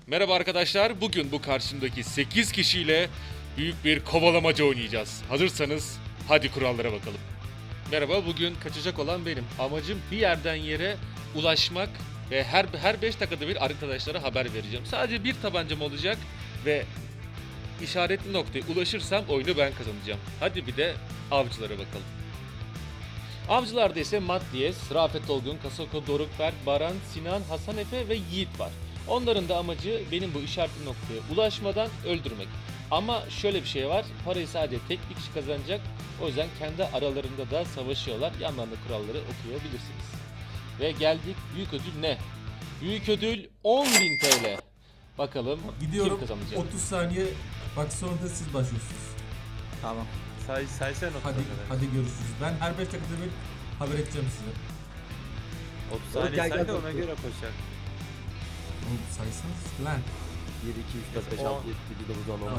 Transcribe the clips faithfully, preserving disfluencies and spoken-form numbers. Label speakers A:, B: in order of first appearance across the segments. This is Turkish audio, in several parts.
A: Merhaba arkadaşlar, bugün bu karşımdaki sekiz kişiyle büyük bir kovalamaca oynayacağız. Hazırsanız hadi kurallara bakalım. Merhaba, bugün kaçacak olan benim. Amacım bir yerden yere ulaşmak ve her her beş dakikada bir arkadaşlara haber vereceğim. Sadece bir tabancam olacak ve işaretli noktaya ulaşırsam oyunu ben kazanacağım. Hadi bir de avcılara bakalım. Avcılarda ise Matt Diyes, Rafet Olgun, Kasoko, Dorukberk, Baran, Sinan, Hasan Efe ve Yiğit var. Onların da amacı benim bu işaretli noktaya ulaşmadan öldürmek. Ama şöyle bir şey var, parayı sadece tek bir kişi kazanacak. O yüzden kendi aralarında da savaşıyorlar. Yandan da kuralları okuyabilirsiniz. Ve geldik, büyük ödül ne? Büyük ödül on bin T L. Bakalım
B: Gidiyorum.
A: kim kazanacak?
B: otuz saniye. Bak sonra da siz başlıyorsunuz.
C: Tamam. Say say sen otuz
B: Hadi
C: kadar.
B: hadi görüşürüz. Ben her beş dakikada bir haber edeceğim size.
C: otuz saniye
D: Gel,
C: say
D: gel,
C: da ona
D: doktor.
C: göre koşacak.
B: Oğlum saysanız lan.
D: bir, iki, üç, dört, beş,
C: On.
D: altı, yedi, sekiz, dokuz, on, on.
B: Tamam.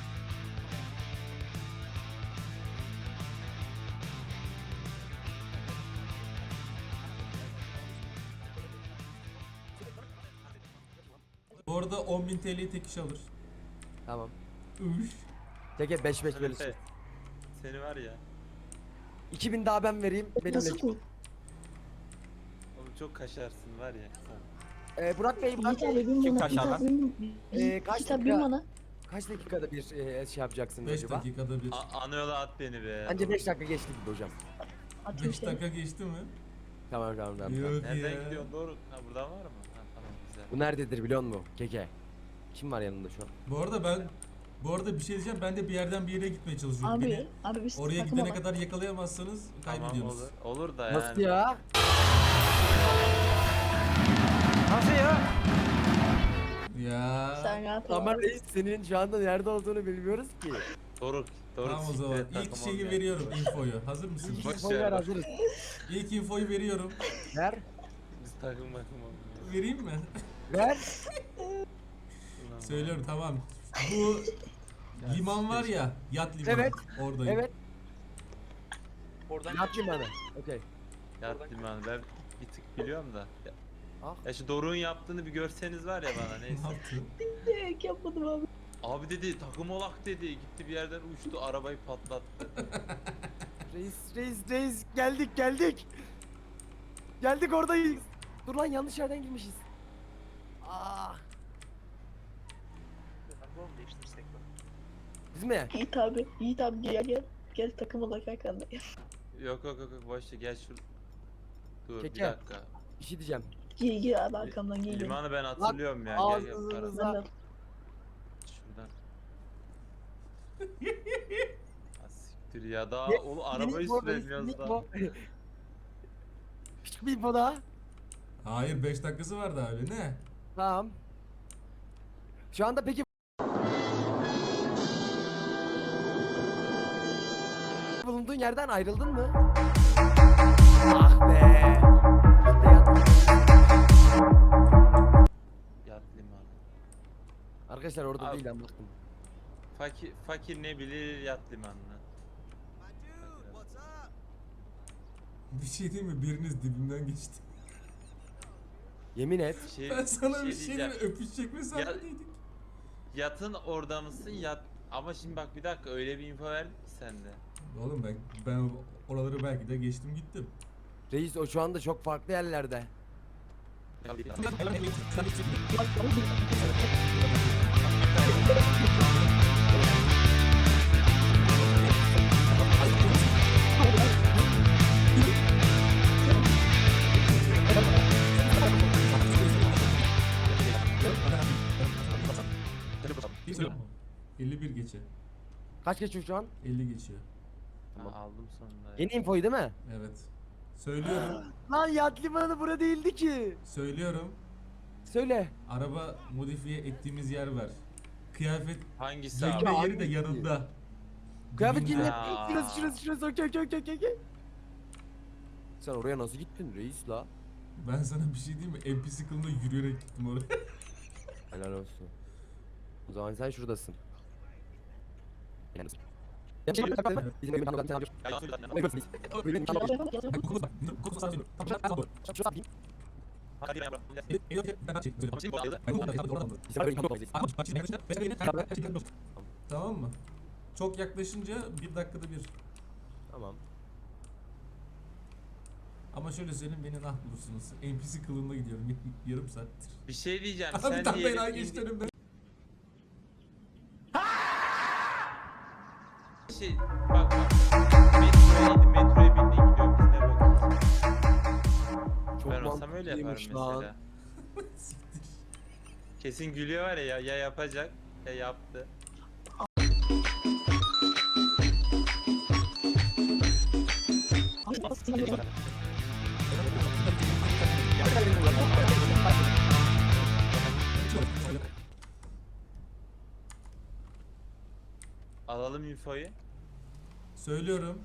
B: Bu arada on bin T L'yi tek kişi alır.
D: Tamam.
B: Üf.
D: Teke beş beş verirsin.
C: Efe, seni var ya.
D: iki bin daha ben vereyim. Benimle.
E: Nasıl bu?
C: Oğlum çok kaşarsın var ya.
D: Ee, Burak Bey, Burak
E: Yiğit
D: Bey.
E: abi bin
C: Kim
E: bana.
C: kaç
E: Yiğit
C: adam?
E: abi bin bana.
D: Ee, kaç
E: Yiğit abi bin
D: dakika?
E: bana.
D: Kaç dakikada bir e, şey yapacaksınız
B: beş
D: acaba?
B: dakikada bir.
C: A- ana yola at beni be.
D: Bence beş dakika geçti gibi hocam.
E: Atayım
B: beş
E: seni.
B: dakika geçti mi?
D: Tamam tamam tamam.
B: Yok
C: Nereden
B: ya.
C: gidiyorsun doğru? Ha buradan var mı? Ha tamam güzel.
D: Bu nerededir biliyor musun? Keke. Kim var yanında şu an?
B: Bu arada ben bu arada bir şey diyeceğim. Ben de bir yerden bir yere gitmeye çalışıyorum.
E: Abi,
B: Beni
E: abi biz
B: oraya
E: takım
B: gidene
E: olan.
B: kadar yakalayamazsanız
C: Tamam
B: kaybediyorsunuz.
C: olur. Olur da
D: Nasıl
C: yani.
D: ya?
C: Nasıl ya?
B: Ya.
E: Sen rahat ol.
D: Ama
E: abi.
D: reis senin şu anda nerede olduğunu bilmiyoruz ki.
C: Doruk. Doruk.
B: Tamam o
C: siktir
B: zaman.
C: et,
B: İlk
C: takım
B: şeyi
C: olmayan.
B: veriyorum infoyu. Hazır mısınız?
C: Boş
D: Boy
C: ver,
D: ver
C: boş.
D: hazırız.
B: İlk infoyu veriyorum.
D: Ver.
C: Biz takım bakım olmuyor.
B: Vereyim mi?
D: Ver.
C: Ulan.
B: Söylüyorum tamam. Bu liman var ya, yat limanı.
D: Evet,
B: Oradayım.
D: Evet. Oradan yap limanı. Okey.
C: Yat limanı ben bir tık biliyorum da. Ya,
D: Ah.
C: ya şu Doruk'un yaptığını bir görseniz var ya bana
B: Ne
C: neyse.
B: yaptın?
E: Direkt yapmadım abi.
C: Abi dedi takım olak dedi. Gitti bir yerden uçtu arabayı patlattı.
D: Reis, reis, reis geldik geldik. Geldik oradayız. Dur lan yanlış yerden girmişiz. Aa. Biz mi?
E: Yiğit abi. Yiğit abi gel gel. Gel takım olarak arkanda.
C: Yok yok yok yok boş ver, gel şur. Dur
D: Keke.
C: bir dakika.
D: Bir şey diyeceğim.
E: Gel gel abi arkamdan gel.
C: Limanı ben hatırlıyorum ya. Gel gel.
D: ağzınıza-
C: Para-
E: Ben de
C: Şuradan. Ha, siktir ya daha
D: Ne-
C: oğlum arabayı
D: Minik bu,
C: süremiyoruz
D: minik
C: daha.
D: bu. Küçük bir info daha.
B: Hayır beş dakikası vardı abi ne?
D: Tamam. Şu anda peki bulunduğun yerden ayrıldın mı? Ah be. İşte yattım.
C: Yat limanı.
D: Arkadaşlar orada
C: Abi.
D: değil ben baktım.
C: Fakir, fakir ne bilir yat limanını.
B: Bir şey değil mi? Biriniz dibimden geçti.
D: Yemin et.
C: Şey,
B: Ben sana bir şey
C: diyeceğim.
B: diyeyim, öpüşecek mesafedeydik.
C: Yatın orada mısın yat. Ama şimdi bak bir dakika öyle bir info verdin ki sen de.
B: Oğlum ben ben oraları belki de geçtim gittim.
D: Reis o şu anda çok farklı yerlerde.
B: elli bir geçe.
D: Kaç geçiyor şu an?
B: elli geçiyor.
C: Ha, aldım sonunda. ya.
D: Yeni infoyu değil mi?
B: Evet. Söylüyorum.
D: Lan yat limanı bura değildi ki.
B: söylüyorum.
D: Söyle.
B: Araba modifiye ettiğimiz yer var. Kıyafet
C: Hangisi abi?
B: giyme yeri de
D: hangisi?
B: yanında.
D: Kıyafet
B: Dibinde.
D: giyme.
C: Aa.
D: Şurası şurası şurası okey okey okey okey. Sen oraya nasıl gittin reis la?
B: Ben sana bir şey diyeyim mi? N P C kılığında yürüyerek gittim oraya.
D: Helal olsun. O zaman sen şuradasın.
C: Hadi ben
B: Tamam mı? Çok yaklaşınca bir dakikada bir.
D: Tamam.
B: Ama şöyle söyleyeyim, beni nah bulursunuz. N P C kılığında gidiyorum yarım saattir.
C: Bir şey diyeceğim.
B: Abi
C: Sen
B: tam
C: diyelim
B: bela
C: indi-
B: geçti önümden.
C: Şey, bak bak. Metroya indim, metroya bindin gidiyorum. Biz ne bakıyoruz?
D: Çok
C: Ben olsam öyle yaparım
D: mantıklıymış lan.
C: mesela. Kesin gülüyor var ya, ya, ya yapacak ya yaptı. Alalım infoyu.
B: Söylüyorum.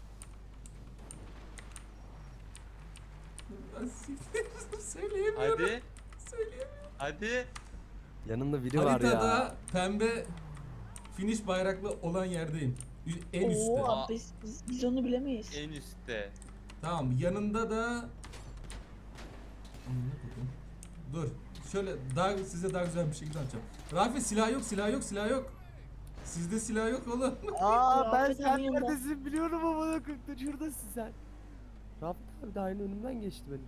B: Söyleyemiyorum.
C: Hadi.
B: Söyleyemiyorum.
C: Hadi.
D: Yanında biri var
B: Haritada
D: ya.
B: pembe finish bayraklı olan yerdeyim. En üstte.
E: Oo abi biz, biz, biz onu bilemeyiz.
C: En üstte.
B: Tamam, yanında da Amına koyayım. Dur. Şöyle daha size daha güzel bir şekilde anlatacağım. Rafi, silah yok, silah yok, silah yok. Sizde silah yok oğlum.
D: Aa ben
E: Rafet
D: sen
E: abi yanında.
D: neredesin biliyorum ama bana dur şuradasın sen. Rafet abi de aynı önümden geçti benim.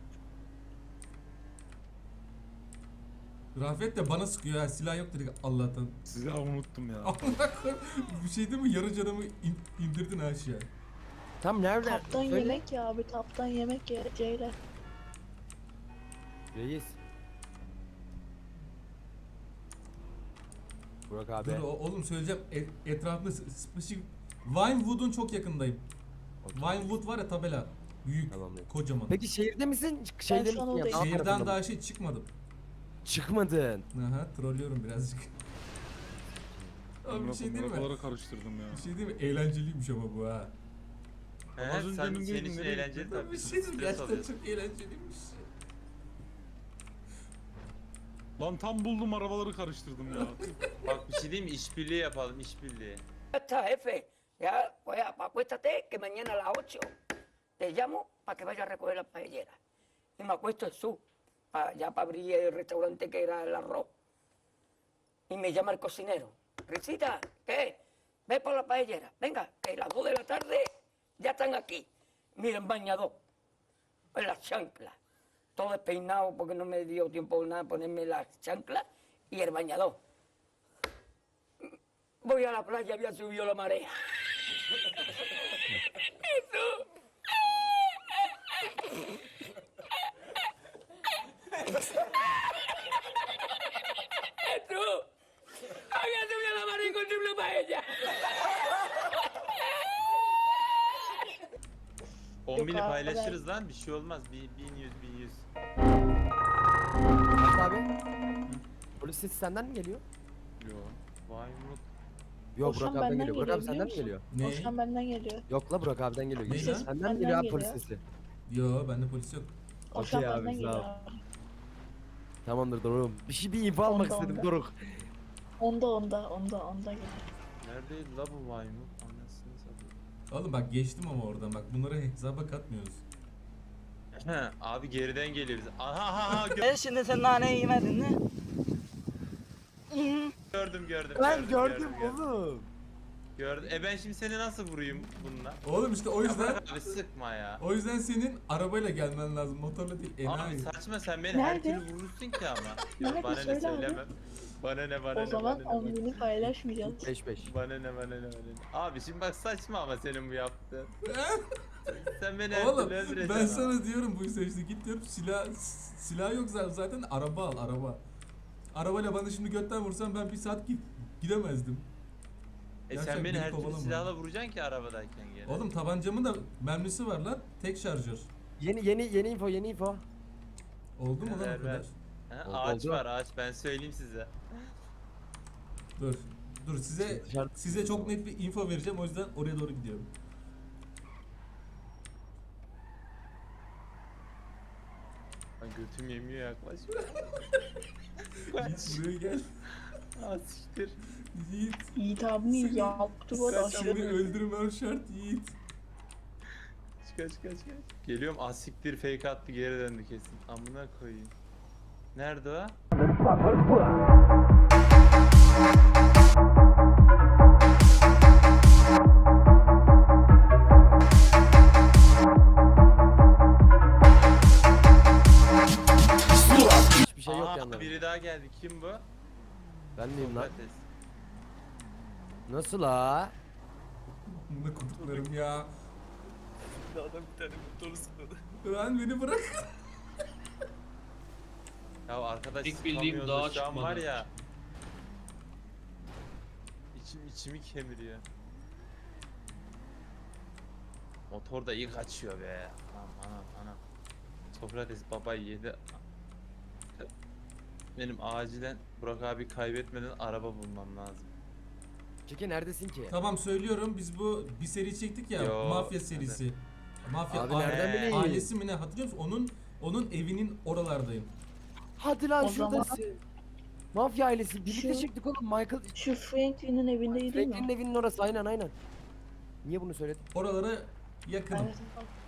B: Rafet de bana sıkıyor ha, silah yok dedik Allah'tan.
F: Silahı unuttum ya.
B: Amına koyayım. Bir şey değil mi? Yarı canımı in- indirdin aşağı.
D: Tam nerede?
E: Taptan
D: Söyle.
E: yemek ya abi, taptan yemek ya Ceylan.
D: Reis. Burak abi.
B: Dur o- oğlum söyleyeceğim. E- etrafında s- spesifik Vinewood'un çok yakındayım.
D: Okey.
B: Vinewood var ya, tabela. Büyük,
D: Tamamdır.
B: kocaman.
D: Peki şehirde misin? Şeyde
E: şu an
D: misin ya?
E: oradayım.
D: Dağ
B: Şehirden
D: tarafında
B: daha
D: mı?
B: şey çıkmadım.
D: Çıkmadın.
B: Aha, trollüyorum birazcık. Abi bir şey değil mi?
F: Arabaları karıştırdım ya.
B: Bir şey değil mi? Eğlenceliymiş ama bu ha.
C: He,
F: Az önce
C: sen,
F: emin
C: senin
F: değildim,
C: için
F: nereye
C: eğlenceli
F: gittin?
C: tabii.
B: Bir şey değil mi?
C: Stres
B: Gerçekten
C: alıyorsun.
B: çok eğlenceliymiş.
F: Lan tam buldum arabaları karıştırdım ya.
C: Bak bir şey diyeyim mi? İşbirliği yapalım, işbirliği.
G: Ya está, jefe. Ya, pues acuéstate que mañana a las ocho te llamo para que vaya a recoger la paellera. Y me acuesto en su, pa- ya para abrir el restaurante que era el arroz. Y me llama el cocinero. Risita, ¿qué? Ve por la paellera. Venga, que las dos de la tarde ya están aquí. Miren, bañador. En las chanclas. Todo despeinado porque no me dio tiempo nada ponerme las chanclas y el bañador. Voy a la playa, había subido la marea. Jesús. Jesús. Había subido la marea y encontré una paella.
C: on
E: Yok
C: bini
E: abi,
C: paylaşırız lan, bir şey olmaz. Bir- bin yüz, bin yüz.
D: Burak abi. Polis sesi senden mi geliyor?
C: Yo. Vay mut.
D: Yok
E: O şu
D: Burak
E: an
D: abiden
E: benden
D: geliyor. Burak
E: geliyor,
D: abi senden mi
E: biliyor
D: geliyor?
B: Ne?
E: O şu an benden geliyor.
D: Yok la Burak abiden geliyor.
B: Ne
D: Ses
B: lan?
D: senden
E: Benden
D: geliyor abi
E: geliyor.
D: polis sesi.
B: Yo, bende polis yok.
E: O şu an
D: Okey abi,
E: benden
D: sağ
E: geliyor
D: ol.
E: abi.
D: Tamamdır Doruk'um. Bir şey bir info almak
E: Onda,
D: istedim
E: onda.
D: Doruk.
E: Onda onda onda onda geliyor.
C: Neredeydi la bu vay mut? Anasını satayım.
B: Oğlum bak, geçtim ama oradan, bak bunları hesaba katmıyoruz.
C: He, abi geriden geliyoruz. Aha aha aha gö-
G: E şimdi sen naneyi yemedin mi?
C: gördüm gördüm.
D: Ben gördüm
C: gördüm.
D: oğlum.
C: Gördüm. E ben şimdi seni nasıl vurayım bununla?
B: Oğlum işte o yüzden
C: Abi sıkma ya.
B: o yüzden senin arabayla gelmen lazım, motorla değil.
C: Abi
B: Enayi.
C: saçma, sen beni her
E: Nerede?
C: türlü vurursun ki ama.
E: Nerede?
C: Yok, bana ne
E: Söyle abi.
C: söylemem. Bana ne bana
E: O
C: ne
E: zaman
C: bana ne,
E: on
C: bana
E: bini paylaşmayacağız.
D: beş beş.
C: Bana ne bana ne bana ne. Abi şimdi bak saçma ama senin bu yaptığın. Sen beni her
B: Oğlum
C: türlü öldüreceksin
B: ben
C: ama.
B: sana diyorum bu yüzden, işte git diyorum, silah silah yok zaten, zaten araba al, araba. Arabayla bana şimdi götten vursan ben bir saat git gidemezdim.
C: E
B: Gerçekten
C: sen beni
B: beni
C: her türlü
B: kovalama.
C: silahla vuracaksın ki arabadayken gene.
B: Oğlum tabancamın da mermisi var lan, tek şarjör.
D: Yeni yeni yeni info yeni info.
B: Oldu mu lan
C: Ver,
B: o kadar?
C: ver. Ha,
D: Oldu,
C: ağaç
D: oldu.
C: var ağaç, ben söyleyeyim size.
B: Dur. Dur size
D: Dışarı-
B: size çok net bir info vereceğim, o yüzden oraya doğru gidiyorum.
C: Lan götüm yemiyor yaklaş.
B: Yiğit buraya gel.
C: Aa siktir.
B: Yiğit.
E: Yiğit abimi
B: Seni-
E: yaptı bu arada
C: Kaç
E: aşırı
B: Seni
E: büyük.
B: öldürmem şart Yiğit.
C: kaç kaç kaç. Geliyorum asiktir fake attı geri döndü kesin. Amına koyayım. Nerede o?
D: Hiçbir şey yok
C: Aa,
D: yanlarında.
C: biri daha geldi. Kim bu?
D: Ben miyim lan?
C: Sokrates.
D: Nasıl la?
B: Bunu kurduklarım ya.
H: Adam bir tane motoru sıkmadı.
B: Lan beni bırak.
C: Ya arkadaş
H: İlk bildiğim
C: sıkamıyoruz
H: dağa
C: da şu an var
H: çıkmadı.
C: ya. İçim içimi kemiriyor. Motor da iyi kaçıyor be. Anam anam anam. Sokrates babayı yedi. Benim acilen Burak abi kaybetmeden araba bulmam lazım.
D: Çeki neredesin ki?
B: Tamam söylüyorum, biz bu bir seri çektik ya,
C: Yo,
B: mafya serisi. Mafya
D: Abi
B: a-
D: nereden
C: Ee,
D: bileyim?
B: ailesi mi ne, hatırlıyor musun? Onun onun evinin oralardayım.
D: Hadi lan
E: O zaman-
D: şuradasın. Mafya ailesi birlikte
E: Şu-
D: çıktık oğlum Michael.
E: Şu Franklin'in evindeydi değil
D: Franklin'in
E: mi?
D: evinin orası aynen aynen. Niye bunu söyledin?
B: Oralara yakınım.
E: Evet.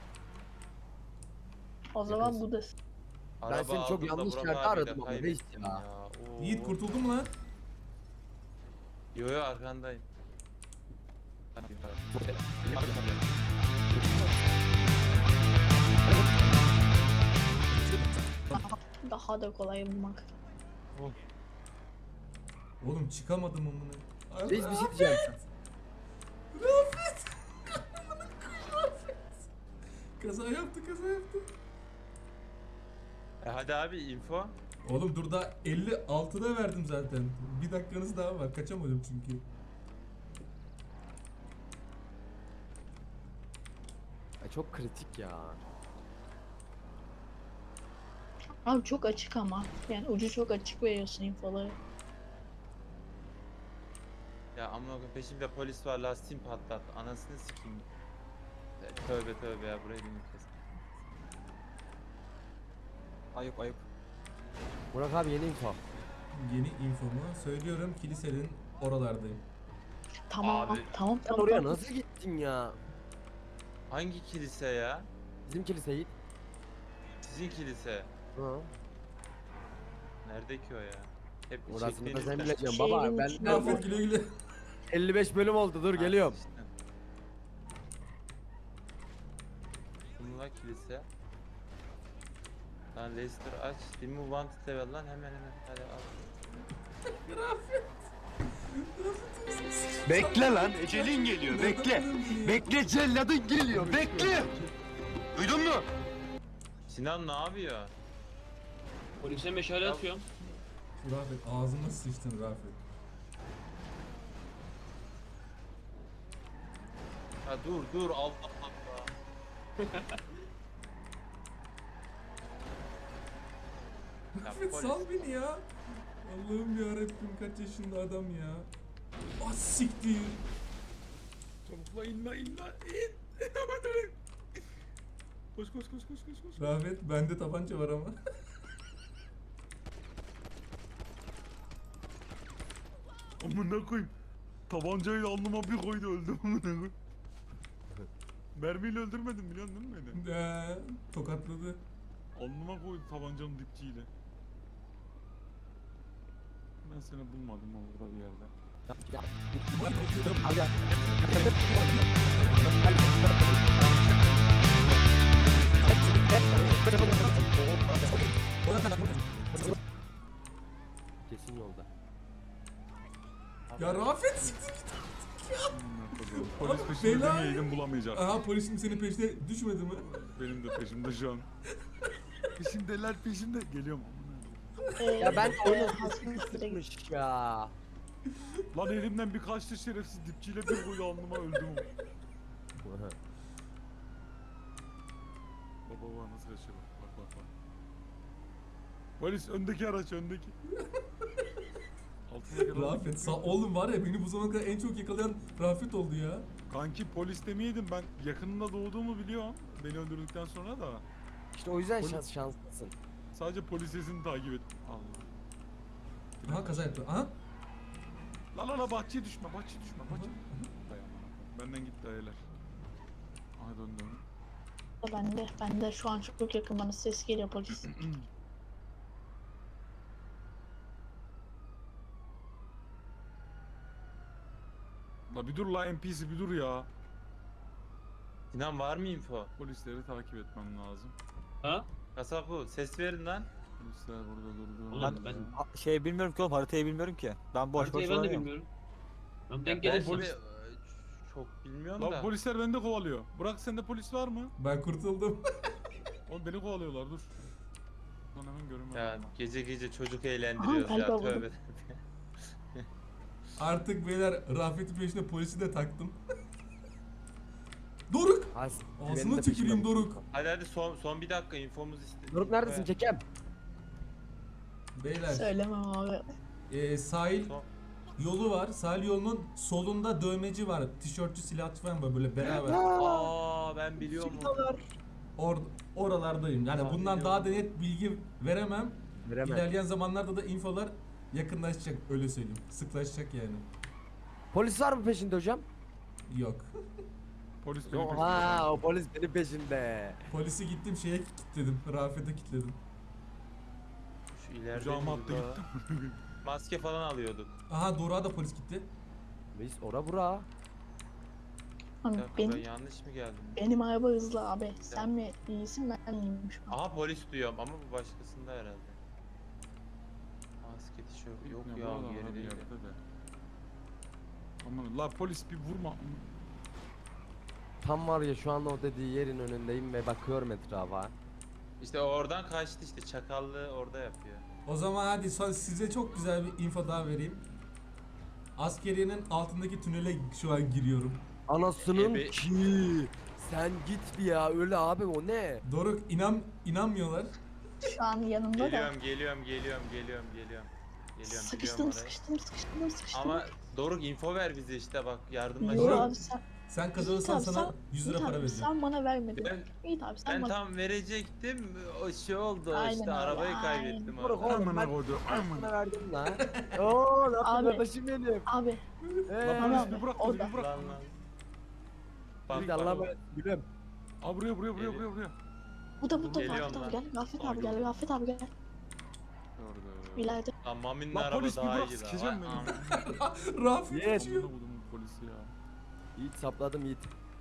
E: O zaman
D: Yakınsın.
E: bu da
C: Araba
D: seni çok
C: aldım da
D: yanlış
C: Burak
D: yerde
C: abiyle
D: aradım ama reis
C: kaybettim
D: ya.
C: Oo.
B: Yiğit kurtuldun mu lan?
C: Yo yo arkandayım.
E: daha da kolay bulmak.
B: Oğlum çıkamadım amına.
D: Reis bir şey diyeceğim.
B: Rafet! Kaza yaptı, kaza yaptı.
C: E hadi abi info.
B: Oğlum dur, da elli altıda verdim zaten. Bir dakikanız daha var. Kaçamadım çünkü.
D: Ay çok kritik ya.
E: Abi çok açık ama. Yani ucu çok açık veriyorsun infoları.
C: Ya amına koyayım peşimde polis var lastiğim patlattı. Anasını sikeyim. E, Tövbe tövbe ya burayı bir kes.
D: Ayıp ayıp. Burak abi yeni info.
B: Yeni infomu söylüyorum, kilisenin oralardayım.
E: Tamam,
C: Abi.
E: tamam,
D: Sen
E: tamam.
D: oraya
E: tamam.
D: nasıl gittin ya?
C: Hangi kilise ya?
D: Bizim kilise git.
C: Sizin kilise.
D: Hı.
C: Nerede ki o ya? Hep
D: Orasını da
C: çektiğiniz-
D: sen bileceksin
E: Şehrin
D: baba. Ben,
E: içinde.
B: Rafet güle güle.
D: elli beş bölüm oldu dur
C: Ha,
D: geliyorum.
C: işte. Kumla kilise. Lan Leicester aç. Dimi wanted level lan hemen hemen. Hadi al.
I: Bekle lan, ecelin geliyor, bekle. Bekle, celladın geliyor, bekle. Duydun mu?
C: Sinan ne yapıyor?
H: Polise meşale atıyorum.
B: Rafet ağzıma sıçtın Rafet.
C: Ha dur dur Allah Allah. Ya
B: Rafet
C: polis.
B: sal beni ya. Allah'ım yarabbim, kaç yaşında adam ya. Ah siktir.
F: Çabuk la in la in la in. Koş koş koş koş koş koş.
B: Rafet, bende tabanca var ama.
F: Amına koyayım. Tabancayı alnıma bir koydu öldüm amına koyayım. Mermiyle öldürmedim biliyorsun değil mi beni?
B: Ee, tokatladı.
F: Alnıma koydu tabancanın dipçiyle. Ben seni bulmadım orada bir yerde.
D: Kesin yolda.
B: Ya Rafet siktir git.
F: Amına koyayım. Polis
B: Abi,
F: peşinde
B: bela-
F: demeyeydin bulamayacak.
B: Aha, polisim senin peşine düşmedi mi?
F: Benim de peşimde şu an. Peşimdeler peşimde. Geliyorum amına koyayım.
E: Ee,
D: Ya ben
E: e,
D: oyunu
E: hastanın üstüne git.
D: sıkmış ya.
F: Lan elimden bir kaçtı şerefsiz dipçiyle bir koydu alnıma öldüm. Baba baba nasıl kaçıyor bak bak bak bak. Polis öndeki araç öndeki. Altındaki araç.
B: Rafet sağ oğlum, var ya, beni bu zamana kadar en çok yakalayan Rafet oldu ya.
F: Kanki polis demeyeydim ben yakınında doğduğumu biliyorum. Beni öldürdükten sonra da
D: İşte o yüzden
F: Polis-
D: şans şanslısın.
F: sadece polis sesini takip et. Allah.
B: Aha, kaza yaptı. Aha.
F: La la la bahçeye düşme bahçeye düşme bahçeye. Dayan bana. Benden gitti ayılar. Aha dön dön.
E: Bende, bende şu an çok yakın bana ses geliyor polis.
F: La bir dur la N P C bir dur ya.
C: Sinan var mı info?
F: Polisleri takip etmem lazım.
H: Ha?
C: Kasap bu. Ses verin lan.
F: Polisler burada durdu.
H: Ulan ben-
J: Ha- Şey bilmiyorum ki oğlum, haritayı bilmiyorum ki. Ben boş boş
H: Haritayı ben de
J: dolanıyorum.
H: bilmiyorum. Ben
C: Ya
H: denk
C: ben
H: gelirsem.
C: şimdi, e, çok bilmiyorum
F: La
C: da.
F: polisler beni de kovalıyor. Burak sende polis var mı?
B: Ben kurtuldum.
F: Oğlum beni kovalıyorlar dur. Lan hemen görünmüyor.
C: Ya
F: ama.
C: gece gece çocuk eğlendiriyoruz
E: Aha,
C: ya
E: galiba
C: tövbe.
B: Artık beyler Rafet'in peşine polisi de taktım. Doruk!
D: Has,
B: Ağzına tüküreyim Doruk.
C: Hadi hadi son son bir dakika infomuz istedik.
D: Doruk neredesin Kekem?
B: Beyler
E: Söylemem abi.
B: e, sahil
C: Son-
B: yolu var. Sahil yolunun solunda dövmeci var. Tişörtçü silahçı falan var böyle beraber.
C: Aa ben biliyorum. onu.
B: Or oralardayım. Yani
C: Tamam,
B: bundan daha da
C: biliyorum.
B: net bilgi veremem.
D: Veremem.
B: İlerleyen zamanlarda da infolar yakınlaşacak öyle söyleyeyim. Sıklaşacak yani.
D: Polis var mı peşinde hocam?
B: Yok.
F: Polis beni peşinde.
D: Ha, o polis benim peşinde.
B: Polisi gittim şeye kilitledim. Rafet'e kilitledim.
C: Şu ileride
F: Kucağıma attı
C: burada
F: gittim.
C: maske falan alıyorduk.
B: Aha Doruk'a da polis gitti.
D: Biz ora bura.
C: Bir
E: Abi
C: dakika ben
E: benim,
C: yanlış mı geldim?
E: benim araba hızlı abi. Sen mi iyisin ben miyim şu an?
C: Aha polis duyuyorum ama bu başkasında herhalde. Maske tişört yok
F: Ne
C: ya
F: bu adam
C: geri
F: bir
C: değil.
F: yerde de. Aman la polis bir vurma.
D: Tam var ya şu anda o dediği yerin önündeyim ve bakıyorum etrafa.
C: İşte oradan kaçtı işte çakallığı orada yapıyor.
B: O zaman hadi son size çok güzel bir info daha vereyim. Askeriyenin altındaki tünele şu an giriyorum.
D: Anasının
C: Ebe-
D: ki. Sen git bir ya öyle abi o ne?
B: Doruk inan inanmıyorlar.
E: Şu an yanımda da.
C: Geliyorum geliyorum geliyorum geliyorum geliyorum. Geliyorum
E: Sıkıştım,
C: biliyorum orayı.
E: sıkıştım, sıkıştım, sıkıştım.
C: Ama Doruk info ver bize işte bak yardımlaş.
E: Yok
B: Doruk,
E: abi sen,
B: Sen kazanırsan
E: Yiğit abi,
B: sana
E: sen-
B: yüz lira
E: Yiğit
B: para
E: abi,
B: vereceğim.
E: sen bana vermedin.
C: Ben,
E: İyi abi sen
C: ben
E: bana.
C: tam verecektim o şey oldu
E: Aynen
C: işte
E: öyle,
C: arabayı
E: aynen.
C: kaybettim
D: Doruk
C: orada.
D: oğlum
F: Amına
D: ben
F: koydu.
D: ben
F: Aman.
D: sana verdim lan. Oo ne
E: Abi.
D: yapıyorsun kardeşim benim?
E: Abi
F: La
D: Eee.
F: polis
E: abi,
F: bir bırak
E: o
F: bizi
E: da.
F: bir bırak.
C: Lan lan. Bak,
D: Bir
C: bak,
D: Allah'a
C: bak.
D: emanet gülüm.
F: Aa buraya buraya buraya buraya buraya.
E: bu da bu da
C: Geliyorum
E: Rafet
C: lan.
E: abi gel. Rafet
F: Aa,
E: abi gel.
F: gördüm.
E: Rafet abi gel.
F: Gördüm.
E: İleride.
C: Lan Mami'nin
F: Lan
C: araba
F: polis bir
C: daha
F: bırak,
C: iyi daha.
F: sikeceğim
C: Vay
F: beni.
C: am-
B: Rafet
D: Yes.
B: uçuyor.
F: Amına kodumun polisi ya.
D: Yiğit sapladım Yiğit.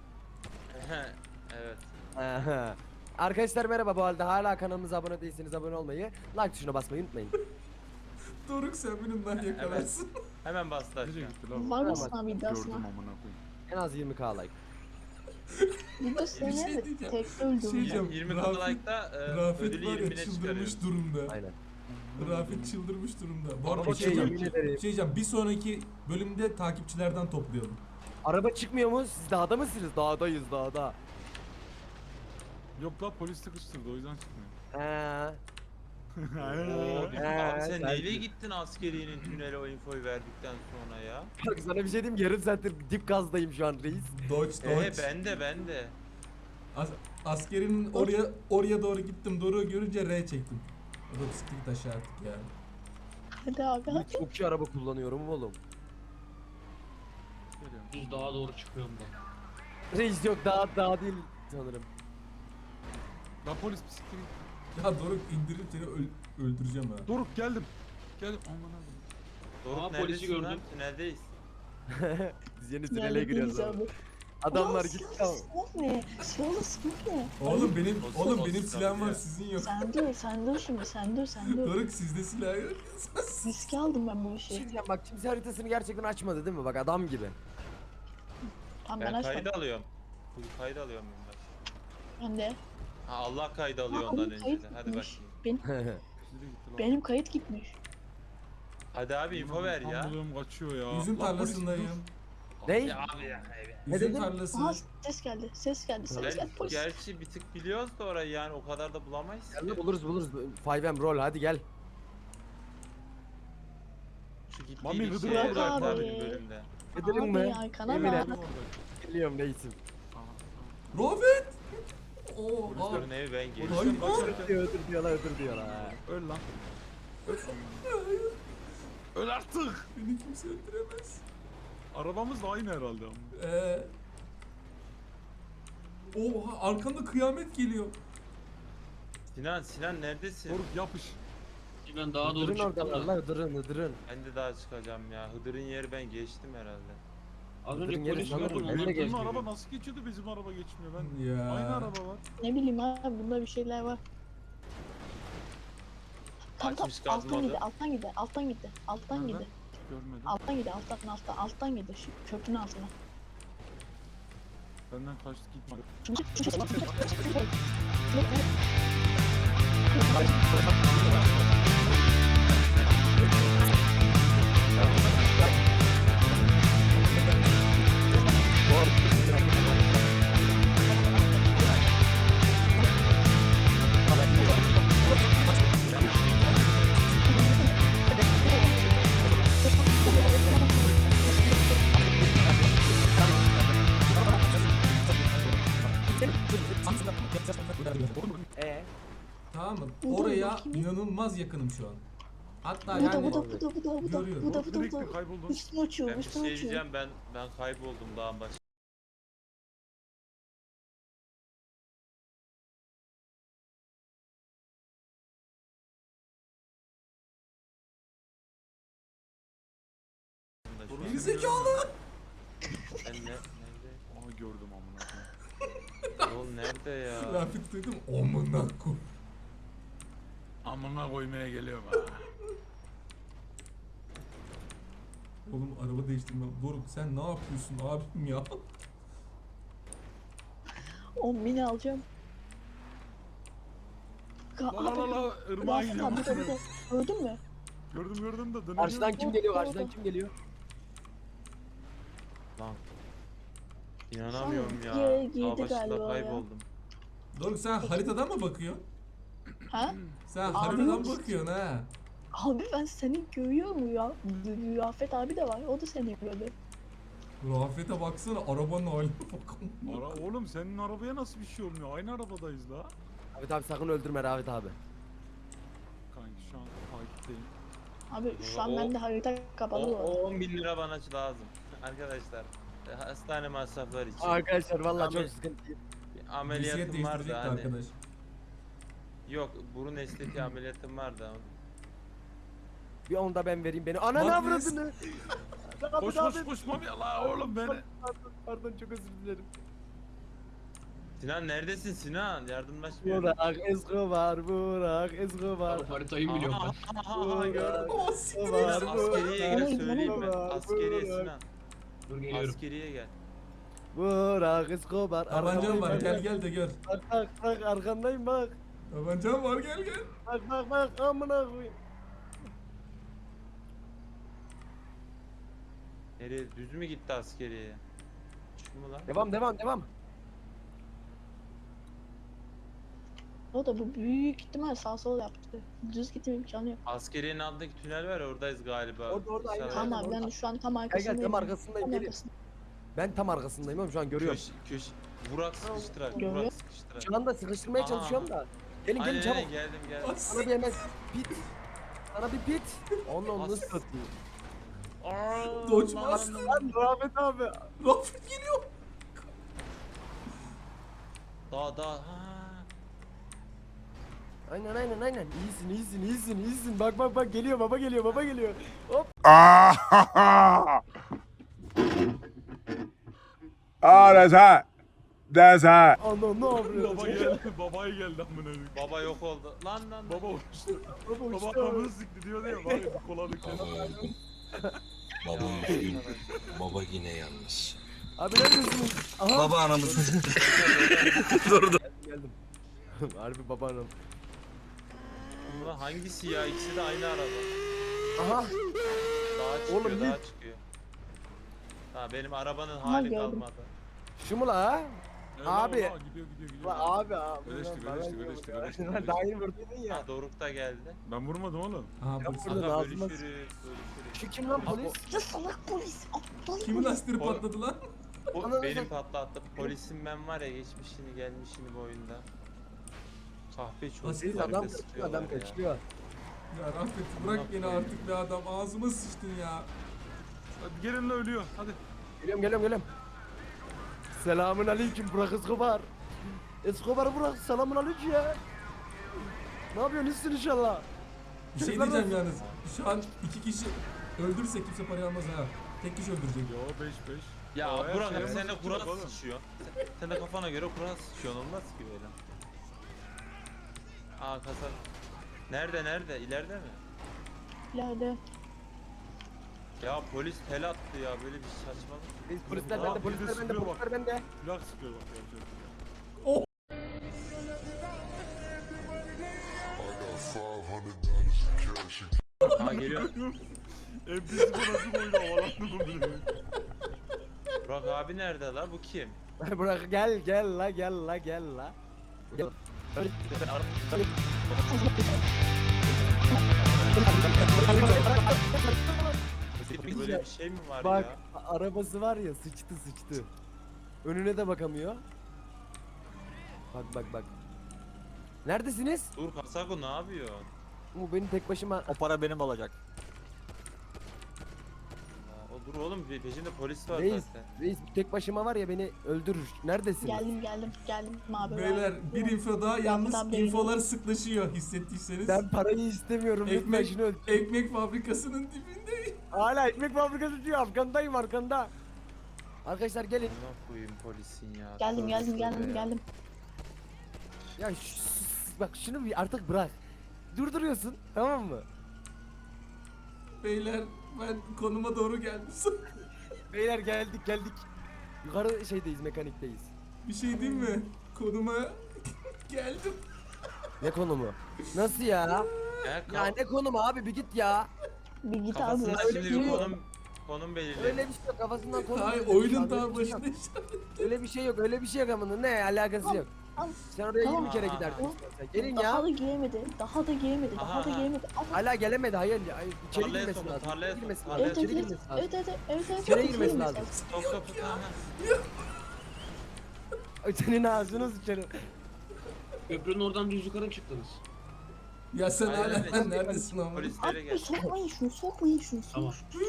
C: Evet.
D: Aha. Arkadaşlar merhaba, bu halde hala kanalımıza abone değilseniz abone olmayı, like tuşuna basmayı unutmayın.
B: Doruk sen benimden yakalarsın.
C: Hemen bastı
F: Nereye
C: aşağı.
F: gitti lan?
E: Var mısın
D: Tamam,
E: abi iddiasına?
F: Gördüm amına koyayım.
D: En az yirmi k like.
E: İddiasına
B: Bir şey
E: ne de
B: diyeceğim.
E: tek
B: Şey
E: öldüreceğim.
B: diyeceğim.
C: yirmi
B: Rafet-
C: k like'da e,
B: Rafet
C: ödülü
B: var ya
C: yirmine
B: çıldırmış
C: çıkarıyoruz.
B: durumda.
D: Aynen.
B: Rafet çıldırmış durumda. Bu arada
F: Araba
B: bir şey
F: çıkıyor.
B: diyeceğim.
D: Yemin ederim.
B: Bir şey diyeceğim. Bir sonraki bölümde takipçilerden toplayalım.
D: Araba çıkmıyor mu? Siz dağda mısınız? Dağdayız dağda.
F: Yok la polis sıkıştırdı o yüzden çıkmıyor.
D: He.
C: Oo, bir-
D: He,
C: abi sen
D: sen-
C: neyle gittin askeriyenin tünele o infoyu verdikten sonra ya?
D: Bak sana bir şey diyeyim, yarım saattir dip gazdayım şu an reis.
B: Dodge
C: Ee
B: Dodge.
C: ben de ben de.
B: As askerinin oraya oraya doğru gittim. Doruk'u görünce R çektim. O da bisiklet aşağı artık yani.
E: Hadi abi
D: Ben
E: hadi.
D: çok iyi araba kullanıyorum oğlum.
F: Geliyorum.
H: Düz dağa doğru çıkıyorum ben.
D: Reis yok, dağ dağ değil sanırım.
F: La polis bisiklet.
B: Ya Doruk indirip seni öl- öldüreceğim ha.
F: Doruk geldim. Geldim. Amına koyayım.
C: Doruk
H: Aa, polisi
C: neredesin lan?
H: gördüm.
C: Tüneldeyiz.
D: Biz yeni tünele
E: Yerle
D: giriyoruz
E: değiliz
D: abi.
E: abi.
D: Adamlar
E: Ulan
D: gitti
E: silahla
D: ama.
E: sıkmak ne? Silahla sıkmak ne?
B: Oğlum benim
C: O-
B: oğlum
C: o
B: benim
C: sıkıntı
B: silahım var
C: ya.
B: sizin yok.
E: Sen dur, sen dur şimdi, sen dur, sen dur.
B: Doruk sizde silah yok.
E: Riske aldım ben bu
D: Bir
E: işi.
D: şey diyeceğim, bak kimse haritasını gerçekten açmadı değil mi? Bak adam gibi.
E: Tamam ben
C: Ben
E: açmadım.
C: kaydı alıyorum. Bu kaydı alıyorum ben. bak.
E: Ben de.
C: Ha Allah kaydı alıyor
E: Aa,
C: ondan
E: onun
C: önce
E: kayıt
C: de. Hadi
E: gitmiş.
C: bakayım.
E: Benim,
F: Nereye gitti lan?
E: benim kayıt gitmiş.
C: Hadi abi info ver ya.
F: Ambulum kaçıyor ya.
B: Üzüm
F: La polis,
B: tarlasındayım.
F: dur.
D: Ne?
C: Ya abi ya. evet.
D: Ne
B: Üzüm
D: dedin?
B: tarlası.
E: Aha ses geldi, ses geldi, ses
C: Ben
E: geldi. Polis.
C: gerçi bir tık biliyoruz da orayı yani o kadar da bulamayız.
D: Gel
C: ki.
D: buluruz buluruz. five M roll hadi gel.
C: Şu
F: Mami
C: gittiği
F: Hıdır
C: şeye
E: Burak
C: bak
E: abi.
C: abi bölümde.
D: Gidelim
E: Abi
D: mi?
E: arkana
D: Yemin
E: bak.
D: ederim. Geliyorum reisim.
B: Rafet! Oo, aa.
C: Polislerin evi ben geliyorum.
B: Hayır, hayır.
D: Öldür diyor, öldür diyorlar, öldür diyorlar.
F: Öl lan. Öl. Öl artık.
B: Beni kimse öldüremez.
F: Arabamız da aynı herhalde ama.
B: Ee, Oha arkanda kıyamet geliyor.
C: Sinan Sinan neredesin?
F: Doruk yapış.
H: Ben daha doğru
D: Hıdırın
H: çıktım
D: oradalar
H: da.
D: lan Hıdırın Hıdırın.
C: Ben de daha çıkacağım ya. Hıdır'ın yeri ben geçtim herhalde.
H: Az
D: Hıdırın
H: önce
D: yeri
H: polis
D: sanırım
H: gördüm
D: ben de
H: onlar
D: geçtim.
F: Bizim
H: geçti.
F: araba nasıl geçiyordu, bizim araba geçmiyor. Ben
B: Ya.
F: aynı araba var.
E: Ne bileyim abi bunda bir şeyler var. Tam tam
C: Açmış gaz
E: alttan
C: modu.
E: gidi alttan gidi alttan gidi alttan
F: Nereden?
E: gidi
F: Görmedim.
E: alttan gidi alttan alttan alttan gidi şu köprünün altına.
F: Benden kaçtı gitmedi.
D: Ee?
B: Tamam mı?
E: Bu da
B: Oraya
E: bakayım.
B: inanılmaz yakınım şu an. Hatta
E: Bu da
B: yani
E: bu da bu da bu da bu da
B: Görüyorum.
E: bu da bu da bu
F: Direkt
E: da
F: kayboldun.
E: üstüne uçuyor
C: Ben bir şey
E: üstüne uçuyor.
C: diyeceğim, ben ben kayboldum dağın başı.
B: geri zekalı.
C: Ben ne, nerede?
F: Aha gördüm amına koyayım.
C: Oğlum nerede ya?
B: Rafet duydum. Omuna koy.
F: Amına koymaya geliyorum ha.
B: Oğlum araba değiştirmem. Doruk sen ne yapıyorsun abim ya?
E: O mini alacağım. Ka
F: La la la la ırmağa
E: Rafet
F: gidiyorum.
E: abi bu da bu da. Gördün mü?
F: Gördüm gördüm de dönüyorum.
D: Karşıdan kim geliyor karşıdan kim geliyor?
C: Lan. İnanamıyorum
E: Şu an
C: ya.
E: girdi
C: Dağ başında
E: galiba ya.
C: kayboldum.
B: Doruk sen haritadan mı bakıyorsun?
E: Ha?
B: Sen
E: Abi
B: haritadan
E: yok.
B: bakıyorsun ha.
E: Abi ben seni görüyorum ya. Rafet abi de var. O da seni görüyor.
B: Rafet'e baksana arabanın haline bak.
F: Ara, oğlum senin arabaya nasıl bir şey olmuyor? Aynı arabadayız la.
D: Rafet abi sakın öldürme Rafet abi.
F: Kanki şu an takipteyim.
E: Abi şu an
C: O-
E: bende harita
C: O,
E: kapalı var.
C: o on bin lira bana lazım. Arkadaşlar. e, Hastane masrafları için.
D: Arkadaşlar vallahi
C: Ahmet-
D: çok sıkıntı.
C: Bir
B: Bisiklet
C: ameliyatım vardı
B: değiştirecekti
C: hani.
B: arkadaş.
C: Yok, burun estetiği ameliyatım vardı.
D: Bir onu da ben vereyim beni. Ananı
B: Bak
D: avradını. Rafet
F: Koş
D: abi.
F: koş koş mami la oğlum beni.
D: Pardon, pardon çok özür dilerim.
C: Sinan neredesin Sinan? Yardımlaşmıyor.
D: Burak Escobar, Burak Escobar.
H: Abi haritayı biliyorum
C: Aha,
H: ben.
C: aha, aha, gördüm.
B: O siktir.
D: Var,
C: Sinan, askeriye
E: Bana
C: gel
E: git,
C: söyleyeyim
E: bana
C: ben.
D: git.
C: Askeriye
D: Burak.
C: Sinan.
H: Dur geliyorum.
C: Askeriye gel.
D: Burak Escobar.
B: Tabancam var
D: Arkandayım,
B: gel gel de gör.
D: Bak bak bak arkandayım bak.
B: Tabancam var gel gel.
D: Bak bak bak amına koyayım.
C: Nereye? Düz mü gitti askeriye? Şu mu lan?
D: Devam devam devam.
E: O da bu büyük ihtimal sağ sol yaptı. Düz gitme imkanı yok.
C: Askeriyenin altındaki tünel var ya, oradayız galiba.
D: Orada, orada, aynen.
C: İnşallah.
E: Tamam abi ben şu an tam
D: Gel
E: arkasındayım.
D: gel tam arkasındayım
E: Tam
D: gelin.
E: arkasında.
D: Ben tam arkasındayım oğlum şu an görüyorum.
C: Köş, köş. Burak sıkıştırar.
E: Görüyor.
C: Burak sıkıştırar.
D: Şu anda sıkıştırmaya
C: Aha.
D: çalışıyorum da. Gelin
C: Aynen,
D: gelin çabuk.
C: aynen, geldim geldim.
B: As-
D: Sana bir hemen pit. Sana bir pit. Onu onu
C: As-
D: satayım.
B: Dodge
C: Lan,
B: Master.
C: lan,
D: Lan Rafet abi.
B: Rafet geliyor.
C: Daha daha. Ha.
D: Aynen aynen aynen. İyisin iyisin iyisin iyisin. Bak bak bak geliyor baba geliyor baba geliyor. Hop.
I: Ah, that's hot. That's hot.
D: Ana ne
F: Baba
D: yapıyorsun?
F: geldi, babaya geldi amına koyayım.
C: Baba yok oldu. Lan lan.
F: Baba uçtu.
D: Baba
F: Baba
D: uçtu.
F: kafamı sıktı diyordu ya bari bir kola dökelim.
K: Baba üzgün. Baba yine yalnız.
D: Abi neredesiniz? Aha.
K: Baba anamızı.
D: Geldim geldim. Harbi babanım.
C: Ulan hangisi ya? İkisi de aynı araba.
D: Aha.
C: Daha çıkıyor,
D: Oğlum,
C: daha
D: ne-
C: çıkıyor. Ha benim arabanın hali
E: gördüm.
C: kalmadı.
D: Şu mu la?
F: Evet,
D: Abi.
F: baba, Gidiyor gidiyor gidiyor.
D: La abi abi.
F: Ödeştik,
D: Lan bana
F: ödeştik,
D: diyor
F: ödeştik,
D: ya.
F: ödeştik,
D: Lan
F: ödeştik.
D: Daha yeni vurdun ya.
C: Ha Doruk da geldi.
F: Ben vurmadım oğlum.
B: Aha polis.
D: Burada
C: Aga
D: ağzıma-
C: bölüşürüz, bölüşürüz.
D: Şu kim lan polis?
E: Ya salak polis. Aptal
B: Kimin
E: polis.
B: lastiği
C: Pol-
B: patladı lan?
C: O
D: Ananı
C: benim
D: satayım.
C: patlattı. Polisim ben var ya, geçmişini gelmişini bu oyunda. Kahpe
B: Nasıl
D: Polis
C: çocuklar
D: adam
C: bir de
D: kaçıyor adam
C: sıkıyorlar ya.
D: kaçıyor.
B: Ya Rafet bırak beni artık be adam. Ağzıma sıçtın ya.
F: Hadi gelin la ölüyor. Hadi.
D: Geliyorum geliyorum geliyorum. Selamun aleyküm Burak Escobar. Escobar'ı bırak, selamun aleyküm ya. Ne yapıyorsun, iyisin inşallah.
B: Bir şey diyeceğim yalnız. Şu an iki kişi öldürürse kimse parayı almaz ha. Tek kişi öldürecek.
F: Yo beş beş.
C: Ya
F: Aa,
C: Burak
F: şey
C: abi sen de
F: yapmak
C: Kur'an
F: yok oğlum.
C: sıçıyor. Sen, sen de kafana göre Kur'an sıçıyorsun, olmaz ki böyle. Aa kasa. Nerede nerede? İleride mi?
E: İleride.
C: Ya polis tel attı ya, böyle bir saçmalık.
D: Reis, polisler
F: Aa,
D: bende,
F: bir de
D: polisler bende,
F: sıkıyor bak.
D: polisler bende.
F: Plak sıkıyor bak ya.
C: Aa geliyor.
F: M P C nasıl boyunu havalandı bile.
C: Burak abi nerede la? Bu kim?
D: Bırak, gel gel la, gel la, gel la. Gel.
C: Böyle bir şey mi var
D: Bak,
C: ya?
D: a- arabası var ya, sıçtı sıçtı. Önüne de bakamıyor. Bak bak bak. Neredesiniz?
C: Dur Kasako ne yapıyor?
D: Bu beni tek başıma...
J: O para benim olacak.
C: Aa, o dur oğlum, pe- peşinde polis var
D: Reis,
C: zaten.
D: reis tek başıma var ya, beni öldürür. Neredesiniz?
E: Geldim geldim geldim abi.
B: Beyler bir info daha, yalnız
E: Yaptan beri-
B: infolar sıklaşıyor hissettiyseniz.
D: Ben parayı istemiyorum. Lütfen
B: Ekmek,
D: şunu öl.
B: ekmek fabrikasının dibindeyim.
D: Hala ekmek fabrikası diyor. Arkandayım, arkanda. Arkadaşlar gelin.
C: Ne koyayım polisin ya.
E: Geldim
C: Tövbe
E: geldim
C: tövbe
E: geldim
C: ya.
E: geldim.
D: Ya ş- bak şunu bir artık bırak. Durduruyorsun, tamam mı?
B: Beyler ben konuma doğru gelmişim.
D: Beyler geldik geldik. Yukarı şeydeyiz, mekanikteyiz.
B: Bir şey diyeyim mi? Konuma geldim.
D: Ne konumu? Nasıl ya?
C: Ya,
D: Ya
C: kaf-
D: ne konumu abi, bir git ya.
E: Bir git abi.
C: kafasında
E: öyle
C: şimdi bir
E: değil.
C: konum konum belirli.
D: Öyle bir şey yok, kafasından konu.
B: Hayır,
D: belirli.
B: oyunun
D: Öyle
B: tam
D: bir şey yok.
B: başında.
D: Öyle bir şey yok, öyle bir şey yok ama ne alakası yok.
E: Al.
D: Sen oraya
E: Tamam.
D: yirmi kere
C: Aa,
D: giderdin
E: tamam.
D: istersen. Gelin
E: Daha
D: ya.
E: da giremedi. Daha da giremedi. Daha
C: Aha,
E: da
C: aha.
E: giremedi. Al.
D: Hala gelemedi, hayır ya. Hayır, İçeri
C: Tarlaya
D: girmesi
C: sokun,
D: lazım.
C: tarlaya
D: İçeri girmesi
C: sokun,
D: lazım.
E: Evet
C: tarlaya
D: İçeri
E: evet
D: girmesi
E: evet.
D: lazım.
E: Evet evet evet evet.
D: İçeri
E: evet,
D: girmesi
E: girmesi
D: lazım.
C: Top top aha.
D: Ay, senin ağzını sıçarım.
H: Köprünün oradan düz yukarı mı çıktınız?
B: Ya sen
C: Hayır,
B: hala
C: evet.
B: neredesin ama?
C: Polislere
E: Abi
C: gel.
E: sokmayın şunu sokmayın şunu.
H: Tamam.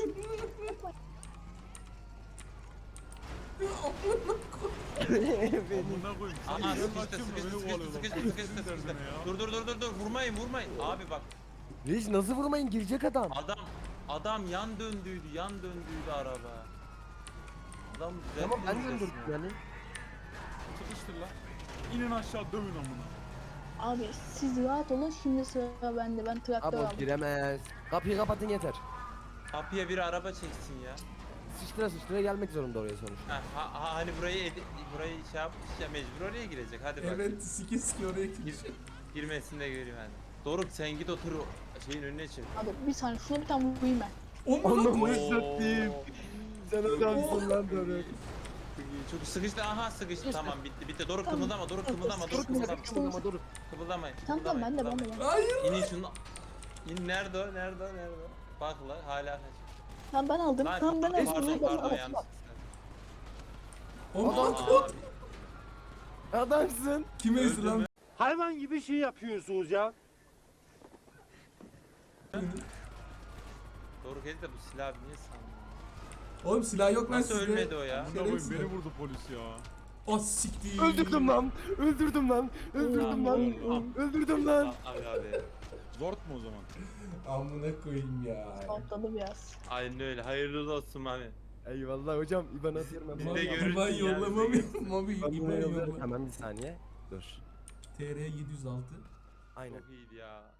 F: Amına koyayım. Sen
C: Aha
F: yeni
C: sıkıştı
F: açıyorsun da
C: sıkıştı
F: beni
C: sıkıştı
F: kovalıyorsun.
C: sıkıştı sıkıştı sıkıştı.
F: Derdine ya.
C: Dur dur dur dur dur vurmayın vurmayın. Abi bak
D: Reis nasıl vurmayın, girecek adam.
C: adam adam yan döndüydü yan döndüydü araba. Adam düzeltti
D: Tamam ben
C: resmen.
D: döndürdüm yani.
F: Sıkıştır lan. İnin aşağı dövün amına.
E: Abi siz rahat olun, şimdi sıra bende. Ben traktör
D: Abi o
E: aldım.
D: giremez. Kapıyı kapatın yeter.
C: Kapıya bir araba çeksin ya.
D: Sıçtıra sıçtıra gelmek zorunda oraya sonuçta.
C: Ha, ha, ha, hani burayı edi- burayı şey yapmış ya, mecbur oraya girecek. Hadi bak.
B: Evet, sike sike oraya
C: Gir,
B: gideceğim.
C: girmesini de göreyim hadi. Doruk sen git otur o şeyin önüne çık.
E: Abi bir saniye şuna bir tane vurayım ben.
B: Onu
D: Onu
B: koy.
D: satayım. Sen adamsın lan Doruk.
C: Çok sıkıştı. Aha sıkıştı. Tamam bitti bitti. Doruk
E: Tamam.
C: kımıldama. Doruk
E: Tamam,
C: kımıldama. Doruk
E: Doruk
C: kımıldama.
D: Kımıldama Doruk.
C: Kımıldamayın.
E: Tamam tamam ben de ben de ben de.
B: Hayır.
C: İnin şunu. İn nerede o? Nerede o? Nerede o? Bak la hala kaç.
E: Tamam ben aldım.
C: Lan,
E: Tamam ben aldım.
C: pardon
E: Ben
C: pardon
E: aldım.
C: yanlış.
B: Onu
C: Aa,
D: Adamsın.
B: Kim ezdi
C: Öldü
B: lan?
C: mü?
I: Hayvan gibi şey yapıyorsunuz ya.
C: Doruk Ezi de bu silahı niye sandın?
B: Oğlum silah yok lan
C: Nasıl
B: sizde.
C: ölmedi o ya?
F: Amına koyayım
B: Şerefsiz.
F: beni vurdu polis ya.
B: Ah siktir.
D: Öldürdüm lan. Öldürdüm lan. Öldürdüm lan. Öldürdüm lan.
C: Abi abi.
F: Zort mu o zaman?
B: Amına koyayım ya.
E: Patladı biraz.
C: Aynen öyle. Hayırlı olsun abi.
D: Eyvallah hocam. İban atıyorum ben.
C: Biz de
D: Vallahi.
C: görürüz
B: İban
C: ya,
B: yollama
C: biz de
B: mı? Mabi
D: Ben
B: İban
D: bunu
B: yollama.
D: yollarım. Hemen bir saniye. Dur.
B: T R yedi yüz altı.
D: Aynen.
C: Çok iyiydi ya.